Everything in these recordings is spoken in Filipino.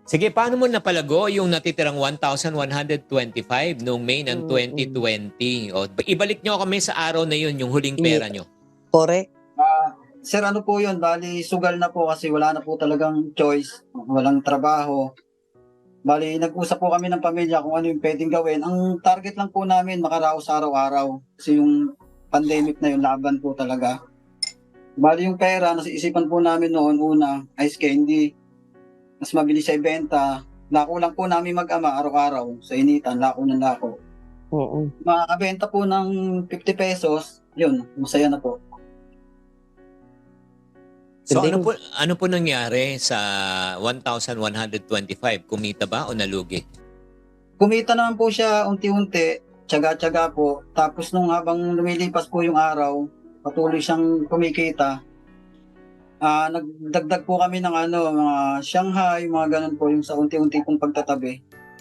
Sige, paano mo napalago yung natitirang 1,125 noong May ng 2020? O, ibalik nyo kami sa araw na yun, yung huling pera nyo. Correct. Sir, ano po yun? Bali, sugal na po kasi wala na po talagang choice. Walang trabaho. Bali, nag-usap po kami ng pamilya kung ano yung pwedeng gawin. Ang target lang po namin, makaraos araw-araw. Kasi yung pandemic na yun, laban po talaga. Bali, yung pera, nasa isipan po namin noon, una, ice candy. Mas mabilis siya ibenta. Lako lang po namin mag-ama araw-araw sa initan, lako ng lako. Oo. Makakabenta po ng 50 pesos, yun, masaya na po. So Galing. ano po nangyari sa 1,125? Kumita ba o nalugi? Kumita naman po siya unti-unti, tiyaga-tiyaga po. Tapos nung habang lumilipas po yung araw, patuloy siyang kumikita. Nagdagdag po kami ng mga Shanghai, mga ganun po, yung sa unti-unti pong pagtatabi.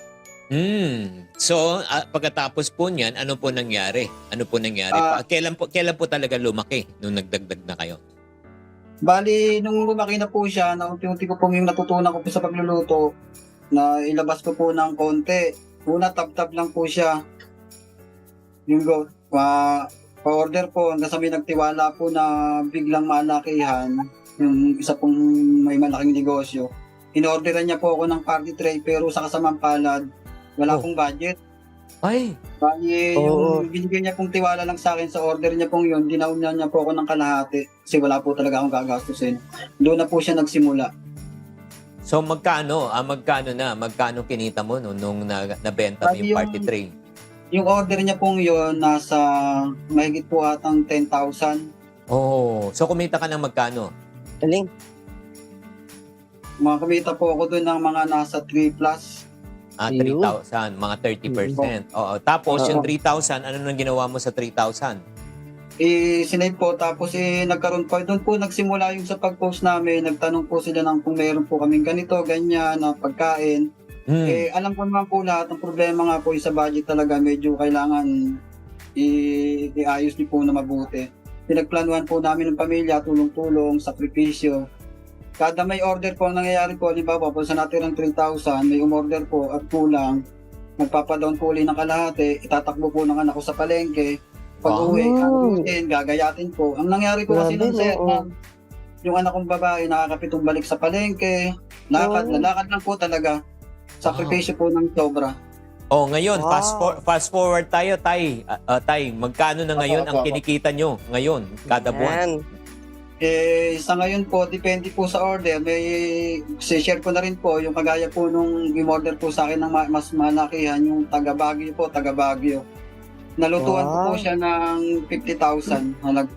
So, pagkatapos po niyan, ano po nangyari? Ano po nangyari? Kailan po talaga lumaki nung nagdagdag na kayo? Bali, nung lumaki na po siya, na unti-unti ko pong yung natutunan ko po sa pagluluto, na ilabas ko po ng konti. Una, tap-tap lang po siya. Yung pa-order po, hanggang sa may nagtiwala po na biglang malakihan, yung isa pong may malaking negosyo. In-orderan niya po ako ng party tray, pero sa kasamang palad, wala pong budget. Ay! Bali, yung binigyan niya pong tiwala lang sa akin sa order niya pong yun, dinauna niya po ako ng kalahati kasi wala po talaga akong gagastusin. Doon na po siya nagsimula. So, magkano kinita mo nung nabenta mo yung party tray? Yung order niya pong yun, nasa mahigit po atang 10,000. Oh, so kumita ka ng magkano? Galing. Kumita po ako doon ng mga nasa 3 plus. 3,000, mga 30%. Oo. Tapos, yung 3,000, ano nang ginawa mo sa 3,000? Sinave po, tapos nagkaroon po, doon po nagsimula yung sa pag-post namin, nagtanong po sila ng kung meron po kaming ganito, ganyan, na pagkain. Alam ko naman po lahat, ang problema nga po sa budget talaga, medyo kailangan iayos niyo po na mabuti. Pinagplanuhan po namin ng pamilya, tulong-tulong, sakripisyo. Kada may order po ang nangyayari po, halimbawa po sa natirang 3,000, may umorder po at kulang, magpapadown po ulit ng kalahati, itatakbo po ng anak ko sa palengke, pag-uwi, gagayatin po. Ang nangyari po kasi nung yung anak kong babae nakakapitong balik sa palengke, lalakad lang po talaga, sakripisyo po ng sobra. Oh, ngayon, fast forward tayo, Tay. Tay, magkano na ngayon ang kinikita nyo ngayon, kada buwan? Sa ngayon po, depende po sa order. May share ko na rin po yung kagaya po nung i-order po sa akin ng mas malakihan, yung taga Baguio. Nalutuan ko po siya ng 50,000.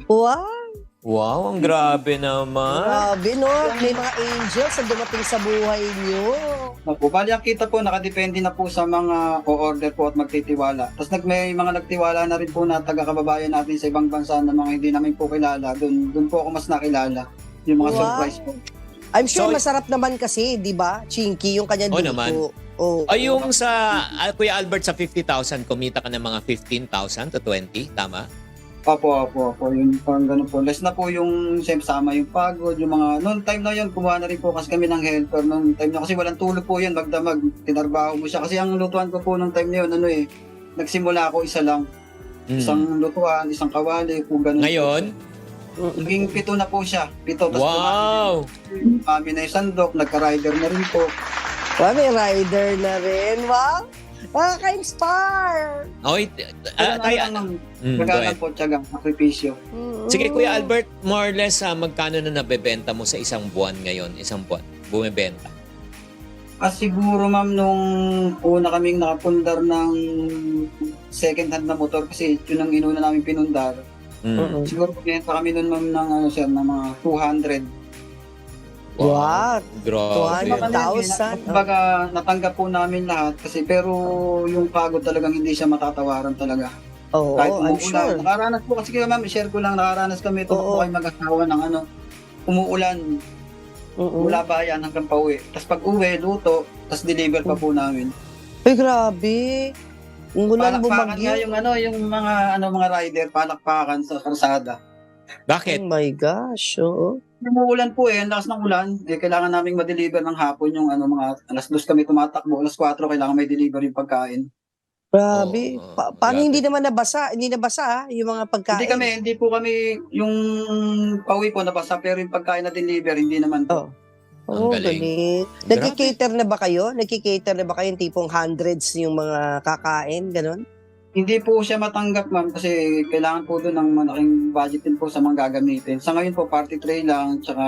Wow, ang grabe naman. Grabe, no? May mga angels na dumating sa buhay niyo. Bali ang kita po, nakadepende na po sa mga o-order po at magtitiwala. Tapos may mga nagtiwala na rin po na taga-kababayan natin sa ibang bansa na mga hindi namin po kilala. Doon po ako mas nakilala. Yung mga surprise po. I'm sure masarap naman kasi, di ba? Chinky, yung kanya dito. Naman. Ay, yung sa Kuya Albert sa 50,000, kumita ka ng mga 15,000 to 20, tama? Opo. Yung parang ganun po. Less na po yung sama yung pagod, yung mga... Noong time na yun, kumuha na rin po kasi kami ng helper. Noong time na kasi walang tulog po yun, magdamag. Tinarbaho mo siya. Kasi ang lutuan ko po noong time na yun, nagsimula ako isa lang. Isang lutuan, isang kawali, kung ganun. Ngayon? Naging 7 na po siya. 7. Wow! Kami na yung sandok, nagka-rider na rin po. May rider na rin. Wow! Nakaka-inspire! Okay, Nagalang po, tiyagang, sakripisyo. Sige, Kuya Albert, more or less, magkano na nabebenta mo sa isang buwan ngayon? Isang buwan, bumibenta? Siguro, ma'am, nung una kaming nakapundar ng second hand na motor, kasi yun ang inuna namin pinundar. Siguro, pinenta kami nun, ma'am, ng mga 200. Wow! Grabe. 200,000. Kumbaga, natanggap po namin lahat kasi pero yung pagod talagang hindi siya matatawaran talaga. Kahit I'm umuulan. sure. Nakaranas po kasi ma'am, share ko lang, nakaranas kami ito po kayo mag-asawa ng umuulan. Mula bayan hanggang pauwi. Tapos pag uwi, luto, tapos deliver pa po namin. Ay, grabe. Umulan Palakpakan bumagyo. nga yung mga rider, palakpakan sa karsada. Bakit? Oh my gosh, oo. Umuulan po ang lakas ng ulan. Kailangan naming ma-deliver ng hapon yung mga 2:00 kami tumatakbo, 4:00 kailangan may deliver yung pagkain. Grabe. Oo, Paano grabe. hindi naman nabasa? Hindi nabasa yung mga pagkain? Hindi po kami yung pauwi po nabasa, pero yung pagkain na deliver hindi naman po. Oh. Ang Oh, galing. galing. Nagki-cater na ba kayo? Nagki-cater na ba kayo yung tipong hundreds yung mga kakain, ganun? Hindi po siya matanggap, ma'am, kasi kailangan po doon ng malaking budget din po sa mga gagamitin. Sa ngayon po, party tray lang, tsaka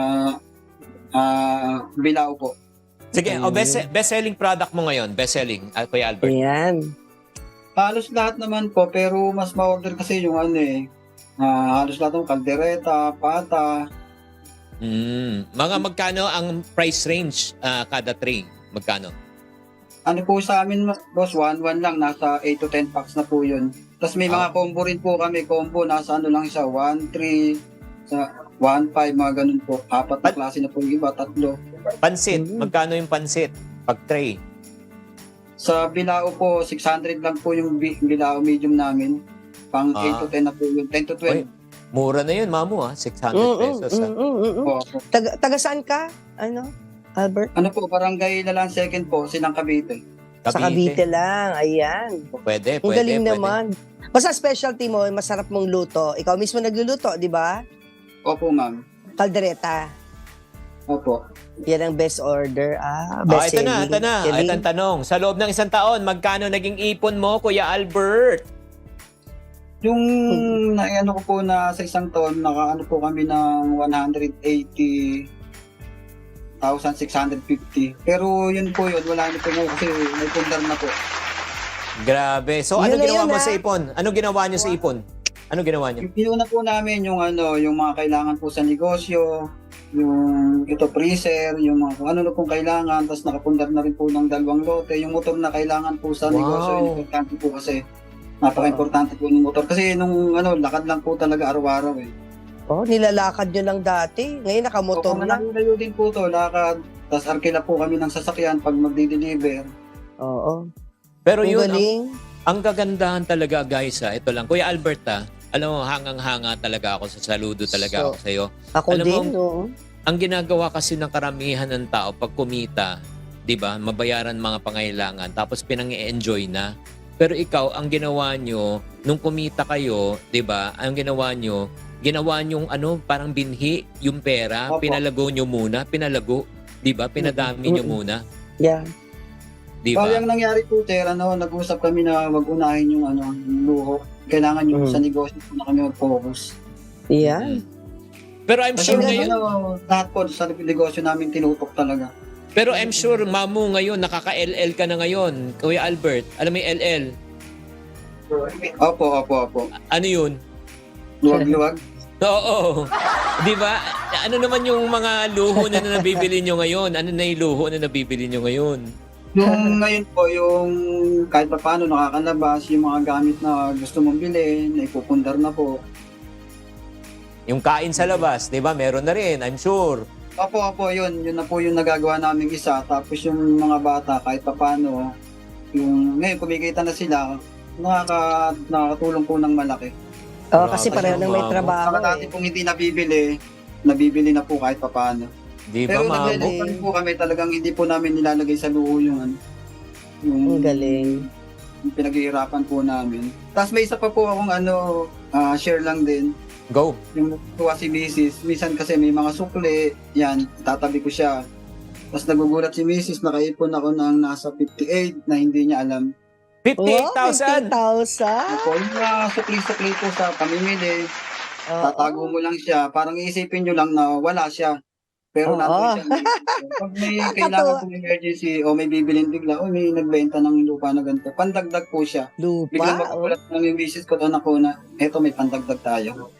bilao po. Sige, Ayun. best-selling product mo ngayon. Best-selling, Kuya Albert. Ayan. Halos lahat naman po, pero mas ma-order kasi yung halos lahat ng kaldereta, pata. Mga magkano ang price range kada tray? Magkano? Ano po sa amin, boss, 1-1 lang, nasa 8 to 10 packs na po yun. Tapos may mga combo rin po kami, nasa lang siya, 1-3, sa 1-5, mga ganun po. 4 na klase na po yung iba, 3. Pansit, magkano yung pansit? Pag tray? Sa bilao po, 600 lang po yung bilao medium namin. Pang 8 to 10 na po yun, 10 to 12. Oy, mura na yun, mamu 600 pesos. Po. Taga saan ka? Albert? Ano po, barangay Lalan Second po, Silang Cavite. Sa Cavite lang. Ayan. Pwede, Ang pwede. galing pwede. naman. Basta specialty mo, masarap mong luto. Ikaw mismo nagluluto, di ba? Opo, ma'am. Kaldereta. Opo. Yan ang best order. Best Ito na, selling. ito na. Galing. Ito ang tanong. Sa loob ng 1 taon, magkano naging ipon mo, Kuya Albert? Yung naano ko po na sa isang taon, nakaano po kami ng 180,650. Pero yun, wala na po ngayon kasi may pundar na po. Grabe. So, Yun ano na ginawa yun, mo sa ipon? Ano ginawa niyo sa ipon? Ano ginawa niyo? Yung pinuna po namin yung yung mga kailangan po sa negosyo, yung freezer, yung mga kung ano na pong kailangan, tapos nakapundar na rin po ng 2 lote. Yung motor na kailangan po sa negosyo, importante po kasi napaka-importante po ng motor. Kasi nung lakad lang po talaga araw-araw eh. Oh, nilalakad nyo lang dati. Ngayon nakamotor na. Nalayo din po to, lakad. Tapos arkila po kami ng sasakyan pag magdi-deliver. Oo. Pero Ang yun, galing. ang kagandahan talaga, guys, ito lang. Kuya Albert, alam mo, hangang-hanga talaga ako, saludo talaga ako sa'yo. Ako Alam din, mo, no? Ang ginagawa kasi ng karamihan ng tao pag kumita, 'di ba? Mabayaran mga pangailangan tapos pinang-i-enjoy na. Pero ikaw, ang ginawa nyo nung kumita kayo, 'di ba? Ang ginawa nyo parang binhi yung pera, Opo. pinalago nyo muna, 'di ba? Pinadami nyo muna, Yeah. 'di ba? Yung nangyari po, nag-usap kami na wag unahin yung yung luho. Kailangan yung sa negosyo po na kami mag-focus. Yeah. Pero I'm Kasi sure ngayon, lahat po sa negosyo namin tinutok talaga. pero I'm sure mamu ngayon nakaka-LL ka na ngayon, Kuya Albert. Alam mo yung LL? Opo. Ano 'yun? Luwag-luwag. Oo. 'Di ba? Ano naman yung mga luho na nabibili nyo ngayon? Ano na yung luho na nabibili nyo ngayon? Yung ngayon po, yung kahit pa paano nakakalabas, yung mga gamit na gusto mong bilhin, na ipupundar na po. Yung kain sa labas, 'di ba? Meron na rin, I'm sure. Opo, yun na po yung nagagawa namin isa. Tapos yung mga bata, kahit pa paano, ngayon kumikita na sila, nakakatulong po ng malaki. Kasi pareho nang may trabaho. Saka dati pong hindi nabibili na po kahit pa paano. 'Di ba, Pero mamu? naglilipan po kami, talagang hindi po namin nilalagay sa luho yung Ang galing. yung pinaghihirapan po namin. Tapos may isa pa po akong share lang din. Go. Yung tuwa si Mrs. Minsan kasi may mga sukli, yan, tatabi ko siya. Tapos nagugulat si Mrs. Nakaipon ako ng nasa 58 na hindi niya alam. 58,000. 50,000? Ako, yung mga sukli-sukli po sa pamimili, tatago mo lang siya. Parang iisipin nyo lang na wala siya. Pero nandun siya. Pag may kailangan pong emergency o may bibilin bigla, o may nagbenta ng lupa na ganito, pandagdag po siya. Biglang Lupa? magugulat ng yung misis ko doon ako na, eto may pandagdag tayo.